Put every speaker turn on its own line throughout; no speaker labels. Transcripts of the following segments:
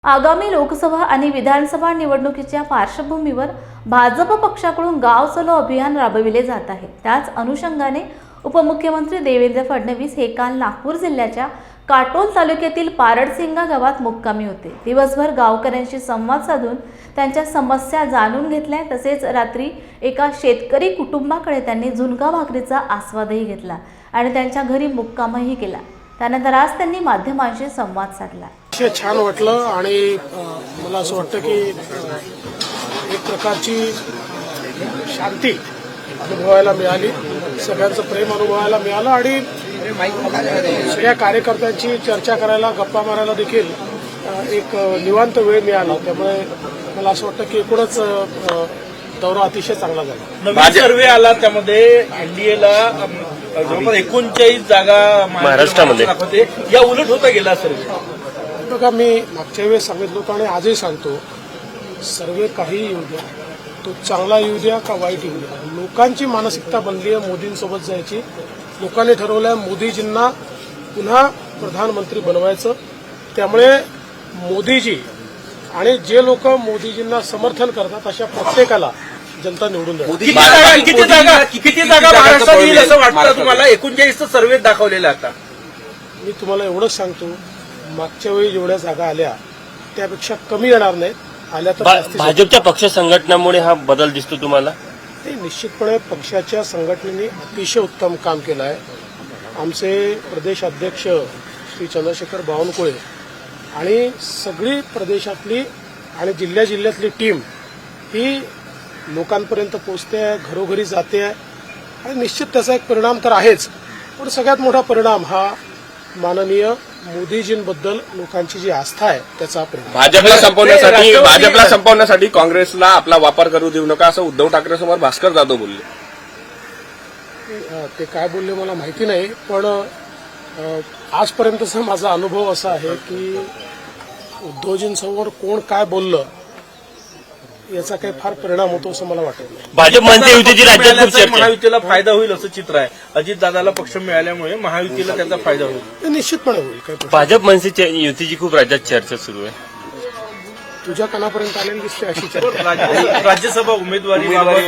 आगामी लोकसभा आणि विधानसभा निवडणुकीच्या पार्श्वभूमीवर भाजप पक्षाकडून गाव चलो अभियान राबविले जात आहे। त्याच अनुषंगाने उपमुख्यमंत्री देवेंद्र फडणवीस हे काल नागपूर जिल्ह्याच्या काटोल तालुक्यातील पारडसिंगा गावात मुक्कामी होते। दिवसभर गावकऱ्यांशी संवाद साधून त्यांच्या समस्या जाणून घेतल्या। तसेच रात्री एका शेतकरी कुटुंबाकडे त्यांनी झुणका भाकरीचा आस्वादही घेतला आणि त्यांच्या घरी मुक्कामही केला। त्यानंतर आज त्यांनी माध्यमांशी संवाद साधला।
छान वाटलं आणि मला असं वाटतं की एक प्रकारची शांती अनुभवायला मिळाली, सगळ्यांचं प्रेम अनुभवायला मिळालं आणि सगळ्या कार्यकर्त्यांची चर्चा करायला, गप्पा मारायला देखील एक निवांत वेळ मिळाला। त्यामुळे मला असं वाटतं की एकूणच दौरा अतिशय चांगला झाला।
नवीन सर्वे आला, त्यामध्ये एनडीएला जवळपास 39 जागा महाराष्ट्रामध्ये या उलट होता गेला सर्वे।
बघा, मी मागच्या वेळेस सांगितलं होतं आणि आजही सांगतो, सर्वे काही येऊ द्या, तो चांगला येऊ द्या का वाईट येऊ द्या, लोकांची मानसिकता बनली आहे मोदींसोबत जायची। लोकांनी ठरवलं मोदीजींना पुन्हा प्रधानमंत्री बनवायचं। त्यामुळे मोदीजी आणि जे लोक मोदीजींना समर्थन करतात अशा प्रत्येकाला जनता निवडून द्या।
किती जागा महाराष्ट्रात येईल असं वाटतं तुम्हाला? 39 सर्वे दाखवलेला आता।
मी तुम्हाला एवढंच सांगतो, मागच्या वेळी जेवढ्या जागा आल्या त्यापेक्षा कमी येणार नाहीत, आल्या तर
भाजपच्या पक्ष संघटनामुळे हा बदल दिसतो तुम्हाला?
ते निश्चितपणे पक्षाच्या संघटनेने अतिशय उत्तम काम केलं आहे। आमचे प्रदेश अध्यक्ष श्री चंद्रशेखर बावनकुळे आणि सगळी प्रदेशातली आणि जिल्ह्यातली टीम ही लोकांपर्यंत पोहोचते आहे, घरोघरी जाते आहे आणि निश्चित त्याचा एक परिणाम तर आहेच, पण सगळ्यात मोठा परिणाम हा माननीय मोदीजींबद्दल लोकांची जी आस्था आहे त्याचा परिणाम।
भाजपला संपवण्यासाठी काँग्रेसला आपला वापर करू देऊ नका असं उद्धव ठाकरे समोर भास्कर जाधव बोलले।
ते काय बोलले मला माहिती नाही, पण आजपर्यंतचा माझा अनुभव असा आहे की उद्धवजींसमोर कोण काय बोललं याचा काही फार परिणाम होतो असं मला वाटत नाही।
भाजप म्हणते युतीची राज्यात खूप चर्चा,
महायुतीला फायदा होईल असं चित्र आहे। अजितदादाला पक्ष मिळाल्यामुळे महायुतीला त्याचा फायदा होईल,
ते निश्चितपणे होईल। काही
भाजप म्हणते युतीची खूप राज्यात चर्चा सुरू आहे।
तुझ्या कानापर्यंत आलेली दिसते अशी चर्चा।
राज्यसभा उमेदवारी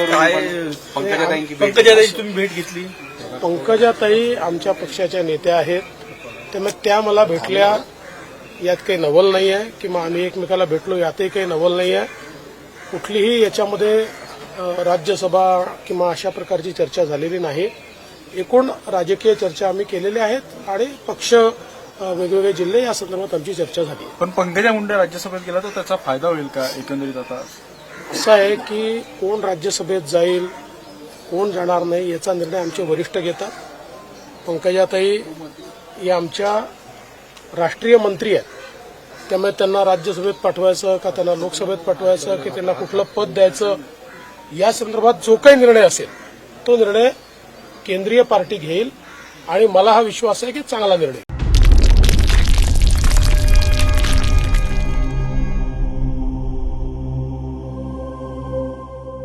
पंकजाताई तुम्ही भेट घेतली?
पंकजाताई आमच्या पक्षाच्या नेत्या आहेत, त्यामुळे त्या मला भेटल्या यात काही नवल नाही आहे, किंवा आम्ही एकमेकाला भेटलो यातही काही नवल नाही आहे। कुठलीही याच्यामध्ये राज्यसभा किंवा अशा प्रकारची चर्चा झालेली नाही। एकूण राजकीय चर्चा आम्ही केलेल्या आहेत आणि पक्ष वेगवेगळे जिल्हे या संदर्भात आमची चर्चा झाली।
पण पंकजा मुंडे राज्यसभेत गेला तर त्याचा फायदा होईल का एकंदरीत? आता
असं आहे की कोण राज्यसभेत जाईल, कोण जाणार नाही याचा निर्णय आमचे वरिष्ठ घेतात। पंकजाताई या आमच्या राष्ट्रीय मंत्री आहेत, त्यामुळे त्यांना राज्यसभेत पाठवायचं का त्यांना लोकसभेत पाठवायचं की त्यांना कुठलं पद द्यायचं या संदर्भात जो काही निर्णय असेल तो निर्णय केंद्रीय पार्टी घेईल आणि मला हा विश्वास आहे की चांगला निर्णय।